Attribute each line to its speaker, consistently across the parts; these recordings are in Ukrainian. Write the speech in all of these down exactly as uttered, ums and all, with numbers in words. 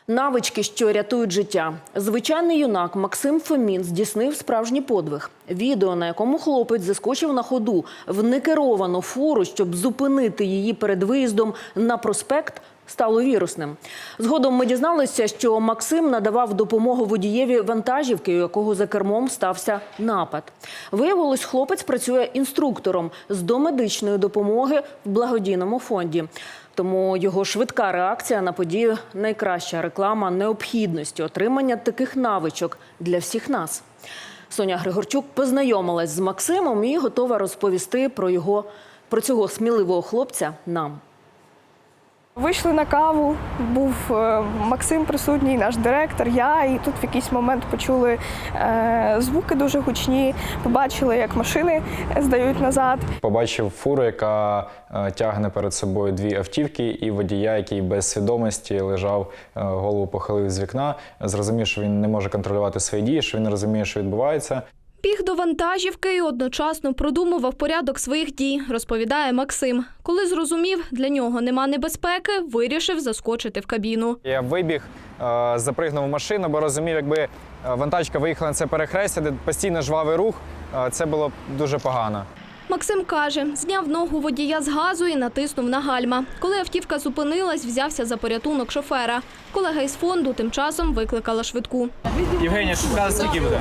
Speaker 1: Навички, що рятують життя. Звичайний юнак Максим Фомін здійснив справжній подвиг. Відео, на якому хлопець заскочив на ходу в некеровану фуру, щоб зупинити її перед виїздом на проспект, стало вірусним. Згодом ми дізналися, що Максим надавав допомогу водієві вантажівки, у якого за кермом стався напад. Виявилось, хлопець працює інструктором з домедичної допомоги в благодійному фонді. Тому його швидка реакція на подію – найкраща реклама необхідності отримання таких навичок для всіх нас. Соня Григорчук познайомилась з Максимом і готова розповісти про його, про цього сміливого хлопця нам.
Speaker 2: Вийшли на каву, був Максим присутній, наш директор, я, і тут в якийсь момент почули е, звуки дуже гучні, побачили, як машини здають назад.
Speaker 3: Побачив фуру, яка е, тягне перед собою дві автівки, і водія, який без свідомості лежав, е, голову похилив з вікна. Зрозумів, що він не може контролювати свої дії, що він не розуміє, що відбувається.
Speaker 4: Біг до вантажівки і одночасно продумував порядок своїх дій, розповідає Максим. Коли зрозумів, для нього нема небезпеки, вирішив заскочити в кабіну.
Speaker 3: Я вибіг, запригнув в машину, бо розумів, якби вантажка виїхала на це перехрестя, де постійно жвавий рух, це було дуже погано.
Speaker 4: Максим каже, зняв ногу водія з газу і натиснув на гальма. Коли автівка зупинилась, взявся за порятунок шофера. Колега із фонду тим часом викликала швидку.
Speaker 5: Євгенія, шукала, скільки буде?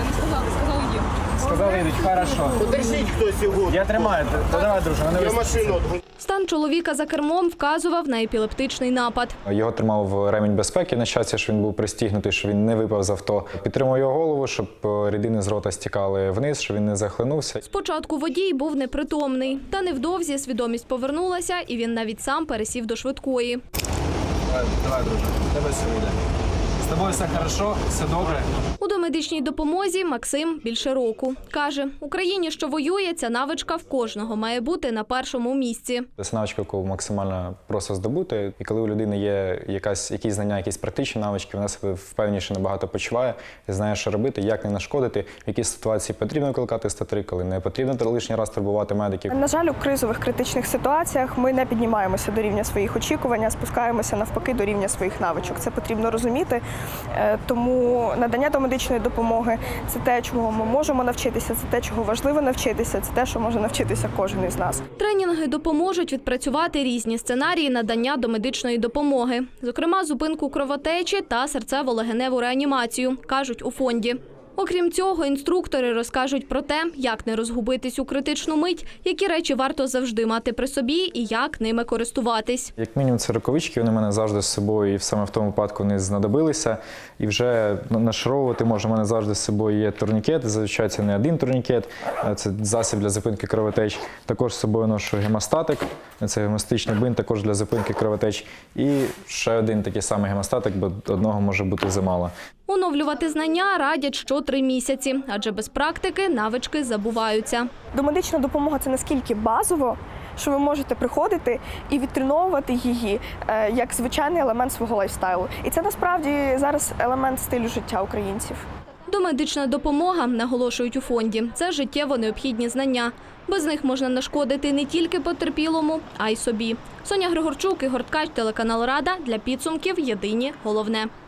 Speaker 5: Сказали, йдуть, хорошо.
Speaker 6: Подержіть хтось його.
Speaker 5: Я тримаю, то давай, друже, вони
Speaker 6: Я машину.
Speaker 4: Стан чоловіка за кермом вказував на епілептичний напад.
Speaker 3: Його тримав ремінь безпеки, на щастя, що він був пристігнутий, що він не випав з авто. Підтримав його голову, щоб рідини з рота стікали вниз, щоб він не захлинувся.
Speaker 4: Спочатку водій був непритомний, та невдовзі свідомість повернулася, і він навіть сам пересів до швидкої.
Speaker 5: Давай, давай, друже, тебе все вийде. З тобою все хорошо, все добре.
Speaker 4: У домедичній допомозі Максим більше року. Каже, в Україні, що воює, ця навичка в кожного має бути на першому місці.
Speaker 3: Це навичка, яку максимально просто здобути. І коли у людини є якась, якісь знання, якісь практичні навички, вона себе впевніше набагато почуває і знає, що робити, як не нашкодити, в якій ситуації потрібно викликати сто три, коли не потрібно лишній раз турбувати медиків.
Speaker 2: На жаль, у кризових критичних ситуаціях ми не піднімаємося до рівня своїх очікувань, а спускаємося навпаки до рівня своїх навичок. Це потрібно розуміти. Тому надання домедичної допомоги – це те, чого ми можемо навчитися, це те, чого важливо навчитися, це те, що може навчитися кожен із нас.
Speaker 4: Тренінги допоможуть відпрацювати різні сценарії надання домедичної допомоги. Зокрема, зупинку кровотечі та серцево-легеневу реанімацію, кажуть у фонді. Окрім цього, інструктори розкажуть про те, як не розгубитись у критичну мить, які речі варто завжди мати при собі і як ними користуватись.
Speaker 3: Як мінімум, це рукавички, вони в мене завжди з собою, і саме в тому випадку вони знадобилися. І вже нашаровувати можна, в мене завжди з собою є турнікет, зазвичай це не один турнікет, це засіб для зупинки кровотеч. Також з собою ношу гемостатик, це гемостатичний бинт, також для зупинки кровотеч. І ще один такий самий гемостатик, бо одного може бути замало.
Speaker 4: Оновлювати знання радять що три місяці, адже без практики навички забуваються.
Speaker 2: Домедична допомога – це наскільки базово, що ви можете приходити і відтреновувати її як звичайний елемент свого лайфстайлу. І це насправді зараз елемент стилю життя українців.
Speaker 4: Домедична допомога, наголошують у фонді, це життєво необхідні знання. Без них можна нашкодити не тільки потерпілому, а й собі. Соня Григорчук, Ігор Ткач, телеканал Рада. Для підсумків єдині головне.